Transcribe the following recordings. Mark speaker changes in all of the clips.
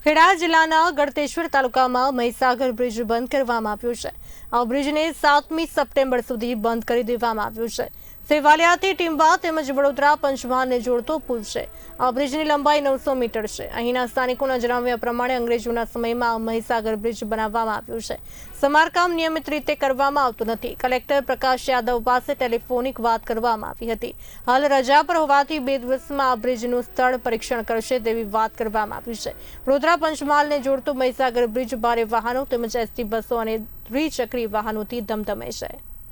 Speaker 1: ખેડા જિલ્લાના ગળતેશ્વર તાલુકામાં મહીસાગર બ્રિજ બંધ કરવામાં આવ્યો છે। આ બ્રિજને 7મી સપ્ટેમ્બર સુધી બંધ કરી દેવામાં આવ્યો છે। સેવાલિયાથી ટીમ્બા તેમજ વડોદરા પંચમહાલને જોડતો પુલ છે। આ બ્રિજની લંબાઈ 900 મીટર છે। અહીંના સ્થાનિકોના જણાવ્યા પ્રમાણે અંગ્રેજોના સમયમાં મહીસાગર બ્રિજ બનાવવામાં આવ્યો છે। સમારકામ નિયમિત રીતે કરવામાં આવતું નથી। કલેક્ટર પ્રકાશ યાદવ પાસે ટેલિફોનિક વાત કરવામાં આવી હતી। હાલ રજા પર હોવાથી 2 દિવસમાં આ બ્રિજનું સ્થળ પરીક્ષણ કરશે તેવી વાત કરવામાં આવી છે। વડોદરા પંચમહાલને જોડતો મહીસાગર બ્રિજ ભારે વાહનો તેમજ એસટી બસો અને દ્વિચક્રી વાહનોથી ધમધમે છે।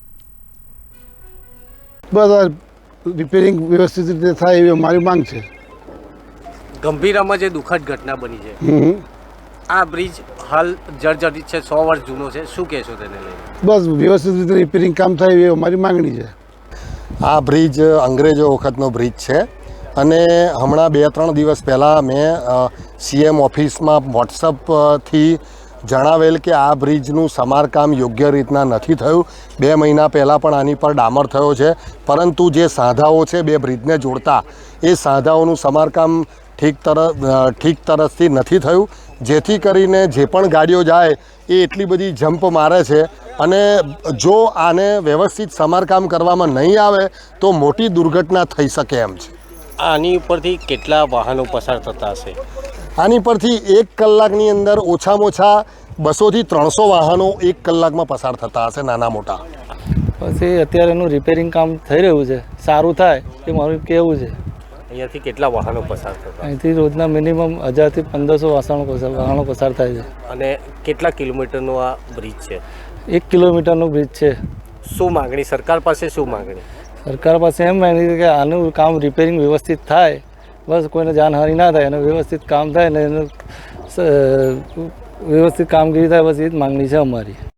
Speaker 2: બસ રિપેરિંગ વ્યવસ્થિત રીતે થાય એવી અમારી માંગ છે।
Speaker 3: ગંભીરામાં જે દુઃખદ ઘટના બની છે, આ બ્રિજ હાલ જર્જરિત છે, 100 વર્ષ જૂનો છે, શું કહેશો તેને લઈને?
Speaker 2: બસ વ્યવસ્થિત રીતે રિપેરિંગ કામ થાય એવી અમારી માંગણી છે।
Speaker 4: આ બ્રિજ અંગ્રેજો વખતનો બ્રિજ છે અને હમણાં 2-3 દિવસ પહેલાં મેં સીએમ ઓફિસમાં વોટ્સઅપથી જણાવેલ કે આ બ્રિજનું સમારકામ યોગ્ય રીતના નથી થયું। 2 મહિના પહેલાં પણ આની પર ડામર થયો છે, પરંતુ જે સાંધાઓ છે 2 બ્રિજને જોડતા એ સાંધાઓનું સમારકામ ઠીક તરફથી નથી થયું, જેથી કરીને જે પણ ગાડીઓ જાય એ એટલી બધી જમ્પ મારે છે અને જો આને વ્યવસ્થિત સમારકામ કરવામાં નહીં આવે તો મોટી દુર્ઘટના થઈ શકે એમ છે।
Speaker 3: આની ઉપરથી કેટલા વાહનો પસાર થતા હશે?
Speaker 4: આની પરથી 1 કલાકની અંદર ઓછામાં ઓછા 200 થી 300 વાહનો 1 કલાકમાં પસાર થતા હશે, નાના મોટા।
Speaker 5: પછી અત્યારે એનું રિપેરિંગ કામ થઈ રહ્યું છે, સારું થાય એ મારું કહેવું છે।
Speaker 3: અહીંયાથી કેટલા વાહનો પસાર થતા?
Speaker 5: અહીંથી રોજના મિનિમમ 1000 થી 1500 વાહનો પસાર થાય છે।
Speaker 3: અને કેટલા કિલોમીટરનો આ બ્રિજ છે?
Speaker 5: 1 કિલોમીટરનું બ્રિજ છે।
Speaker 3: શું માગણી સરકાર પાસે? શું માગણી
Speaker 5: સરકાર પાસે એમ માગણી છે કે આનું કામ રિપેરિંગ વ્યવસ્થિત થાય, બસ કોઈને જાનહાનિ ના થાય અને વ્યવસ્થિત કામ થાય ને એનું વ્યવસ્થિત કામગીરી થાય, બસ એ જ માગણી છે અમારી।